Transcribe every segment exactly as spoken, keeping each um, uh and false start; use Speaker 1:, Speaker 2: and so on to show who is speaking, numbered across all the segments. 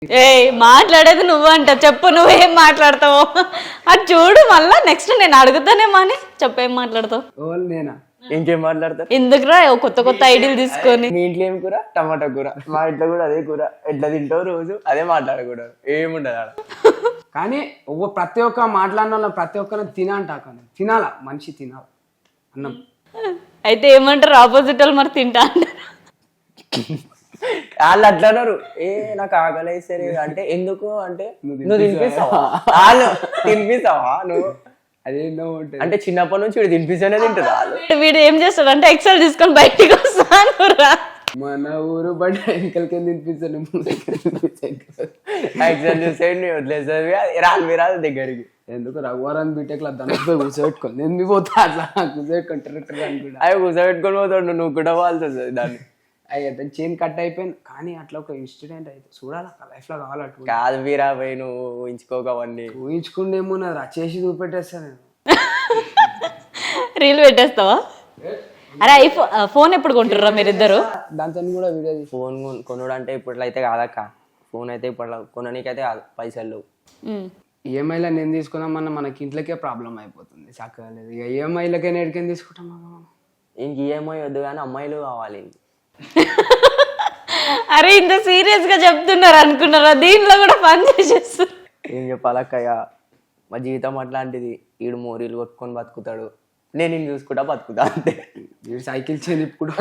Speaker 1: ఏ మాట్లాడేది నువ్వంట, చెప్పు నువ్వేం మాట్లాడతావు అది చూడు. మళ్ళా నెక్స్ట్ నేను అడుగుతానేమో అని చెప్పేం మాట్లాడతావు.
Speaker 2: ఓల్ నేనా?
Speaker 3: ఇంకేం మాట్లాడతారు?
Speaker 1: ఎందుకురా ఓ కొత్త కొత్త ఐడియాలు తీసుకొని.
Speaker 3: మీ ఇంట్లో ఏం కూర? టమాటా కూర. మా ఇంట్లో కూడా అదే కూర. ఎట్లా తింటావు రోజు అదే మాట్లాడకూడదు, ఏముండదు ఆడ.
Speaker 2: కానీ ఒక్క ప్రతి ఒక్క మాట్లాడిన వాళ్ళ ప్రతి ఒక్కరిని తినంట కానీ తినాలా, మనిషి తినాలి అన్నం.
Speaker 1: అయితే ఏమంటారు ఆపోజిట్ వాళ్ళు? మరి తింటా అంటారు.
Speaker 3: వాళ్ళు అట్లా అన్నారు, ఏ నాకు ఆకలి సరే అంటే ఎందుకు అంటే నువ్వు తినిపిస్తావా, వాళ్ళు తినిపిస్తావా నువ్వు
Speaker 2: అదేంటో ఉంటుంది.
Speaker 3: అంటే చిన్నప్పటి నుంచి వీడు తినిపిస్తేనే తింటారు వాళ్ళు.
Speaker 1: వీడు ఏం చేస్తాడు అంటే ఎక్సెల్ తీసుకొని బయటికి వస్తాను రా.
Speaker 2: మన ఊరు బట్ ఎంకలకి తినిపిస్తాను
Speaker 3: ఎగ్జామ్ చూసేయండి వదిలేసారు రాదు మీరు రాదు దగ్గరికి.
Speaker 2: ఎందుకు రఘువరాన్ని బీటెక్ లో దాని కూర్చోబెట్టుకోండి, నేను మీ పోతా అట్లా కూర్చోబెట్టుకుంటారు అనుకుంటా.
Speaker 3: అవి కూర్చోబెట్టుకొని పోతాడు, నువ్వు కూడా వాళ్ళతో దాన్ని.
Speaker 2: అయ్యి చైన్ కట్ అయిపోయింది కానీ అట్లా ఒక ఇన్సిడెంట్ అయితే చూడాలి లైఫ్ లో కావాలట్టు.
Speaker 3: కాదు వీరా పోయి నువ్వు ఊహించుకోక అవన్నీ.
Speaker 2: ఊహించుకుండేమో నాది చేసి చూపెట్టేస్తాను నేను.
Speaker 1: రీల్ పెట్టేస్తావా? అరే ఐఫోన్ ఫోన్ ఎప్పుడు కొంటుర్రా మీరిద్దరు?
Speaker 2: దాంతో కూడా వీడియో
Speaker 3: ఫోన్ కొనుడు అంటే ఇప్పట్లో అయితే కాదక్క. ఫోన్ అయితే ఇప్పట్లో కొననీకైతే కాదు, పైసలు లేవు.
Speaker 2: ఈఎంఐలో నేను తీసుకుందామన్నా మనకి ఇంట్లోకే ప్రాబ్లం అయిపోతుంది, చక్కగా లేదు. ఇక ఈఎంఐలకే నేడికేం తీసుకుంటాం మనం.
Speaker 3: ఇంక ఈఎంఐ వద్దు కానీ అమ్మాయిలు కావాలి.
Speaker 1: అరే ఇంత సీరియస్ గా చెప్తున్నారు అనుకున్నారా? దీంట్లో కూడా పని చేసేస్తారు.
Speaker 3: ఏం చెప్పాలక్కయ్య, మా జీవితం అట్లాంటిది. ఈడు మోరీలు కొట్టుకొని బతుకుతాడు, నేను నేను చూసుకుంటా బతుకుతా అంతే.
Speaker 2: వీడు సైకిల్ చైన్ ఇప్పుడు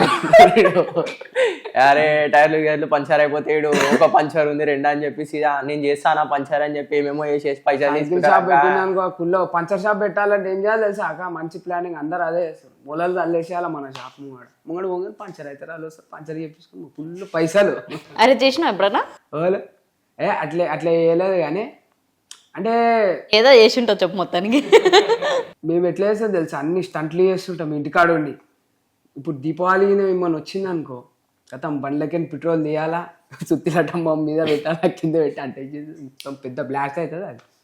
Speaker 3: అరే టైర్లు గేర్లు పంచర్ అయిపోతే ఈడు ఒక పంచర్ ఉంది రెండు అని చెప్పేసి నేను చేస్తానా పంచర్ అని చెప్పి ఏమేమో వేసేసి పైసలు
Speaker 2: షాప్ పెట్టినానుకో కుల్లో పంచర్ షాప్ పెట్టాలంటే ఏం చేయాలి తెలుసా అక్క? మంచి ప్లానింగ్, అందరు అదే చేస్తారు. మూలలు అల్లేసేయాలి మన షాప్ ముంగడు ముంగడు ముంగడు పంచర్ అవుతారు, వాళ్ళు వస్తారు పంచర్ చేపించుకుని ఫుల్ పైసలు.
Speaker 1: అరే చేసినా ఎప్పుడన్నా?
Speaker 2: ఓలే ఏ అట్లే అట్లా వేయలేదు కానీ అంటే
Speaker 1: ఏదో చేసి ఉంటావు చెప్పు మొత్తానికి.
Speaker 2: మేము ఎట్లా చేస్తాం తెలుసా, అన్ని స్టంట్లు చేస్తుంటాం ఇంటికాడ ఉండి. ఇప్పుడు దీపావళి మిమ్మల్ని వచ్చింది అనుకో, గతం బండ్లకి పెట్రోల్ తీయాలా, సుత్తిలటం మీద పెట్టాలా, కింద పెట్టి అంటే మొత్తం పెద్ద బ్లాక్ అవుతుంది అది.